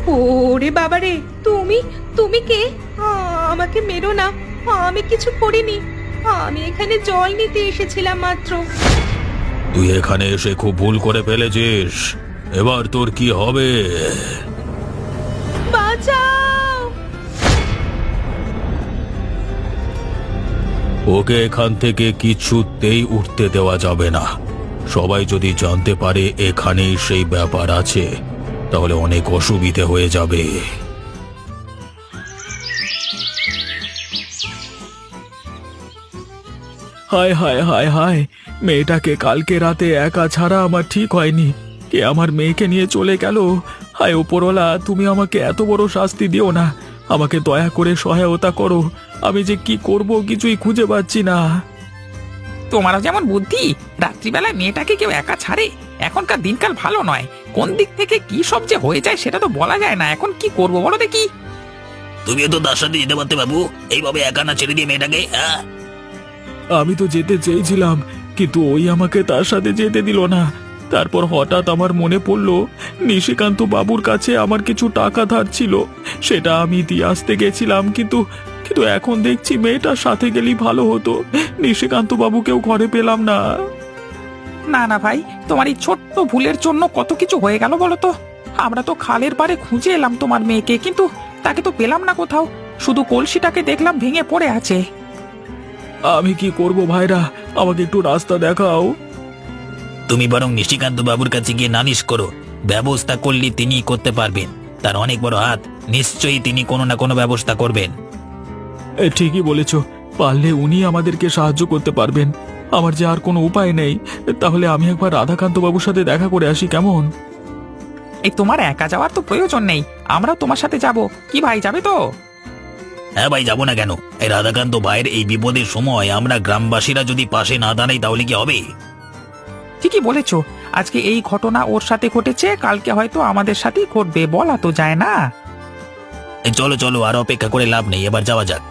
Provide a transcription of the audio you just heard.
ওরে বাবারে, তুমি তুমি কে? আমাকে মেরো না, আমি কিছু করিনি। আমি এখানে জল নিতে এসেছিলাম মাত্র। তুই এখানে এসে খুব ভুল করে ফেলেছিস। এবার তোর কি হবে? বাঁচাও! ওকে এখান থেকে কিছুতেই উঠতে দেওয়া যাবে না। সবাই যদি জানতে পারে এখানেই সেই ব্যাপার আছে, তাহলে অনেক অসুবিধে হয়ে যাবে। হায় হায় হায় হায়, মেয়েটাকে কালকে রাতে একা ছাড়া আমার ঠিক হয়নি। কে আমার মেয়েকে নিয়ে চলে গেল? হায় ওপরওয়ালা, তুমি আমাকে এত বড় শাস্তি দিও না। আমাকে দয়া করে সহায়তা করো। আমি যে কি করব কিছুই খুঁজে পাচ্ছি না। তোমারও যেমন বুদ্ধি, রাত্রিবেলায় মেয়েটাকে কেউ একা ছাড়ে? এখনকার দিনকাল ভালো নয়, কোন দিক থেকে কি সব যে হয়ে যায় সেটা তো বলা যায় না। এখন কি করব বলো দেখি। তুমিও তো তার সাথে যেতে পারতে বাবু, এইভাবে একা না ছেড়ে দিয়ে মেয়েটাকে। হ্যাঁ, আমি তো যেতে চেয়েছিলাম, কিন্তু ওই আমাকে তার সাথে যেতে দিল না। তারপর হঠাৎ আমার মনে পড়ল নিশিকান্ত বাবুর কাছে আমার কিছু টাকা ধার ছিল, সেটা আমি দিয়ে আসতে গেছিলাম। কিন্তু কিন্তু এখন দেখছি মেয়েটার সাথে গেলেই ভালো হতো। নিশিকান্ত বাবুকেও ঘরে পেলাম না। না না ভাই, তোমার এই ছোট্ট ভুলের জন্য কত কিছু হয়ে গেল বলো তো। আমরা তো খালের পাড়ে খুঁজে এলাম তোমার মেয়েকে, কিন্তু তাকে তো পেলাম না কোথাও। শুধু কলসিটাকে দেখলাম ভেঙে পড়ে আছে। আমি কি করব ভাইরা, আমাকে একটু রাস্তা দেখাও। তুমি বরং নিশিকান্ত বাবুর কাছে গিয়ে নালিশ করো। ব্যবস্থা করলে তিনি করতে পারবেন, তার অনেক বড় হাত। নিশ্চয়ই তিনি কোনো না কোনো ব্যবস্থা করবেন। ঠিকই বলেছ, পারলে উনি আমাদেরকে সাহায্য করতে পারবেন। আমার যে আর কোনো উপায় নেই। তাহলে আমি একবার রাধাকান্ত বাবুর সাথে দেখা করে আসি, কেমন? এই তোমার একা যাওয়ার তো প্রয়োজন নেই, আমরাও তোমার সাথে যাব। কি ভাই, যাবে তো? হ্যাঁ ভাই, যাবো না কেন? এই রাধাকান্ত ভাইয়ের এই বিপদের সময় আমরা গ্রামবাসীরা যদি পাশে না দাঁড়াই তাহলে কি হবে? ঠিকই বলেছো, আজকে এই ঘটনা ওর সাথে ঘটেছে, কালকে হয়তো আমাদের সাথেই ঘটবে, বলা তো যায় না। চলো চলো, আর অপেক্ষা করে লাভ নেই, এবার যাওয়া যাক।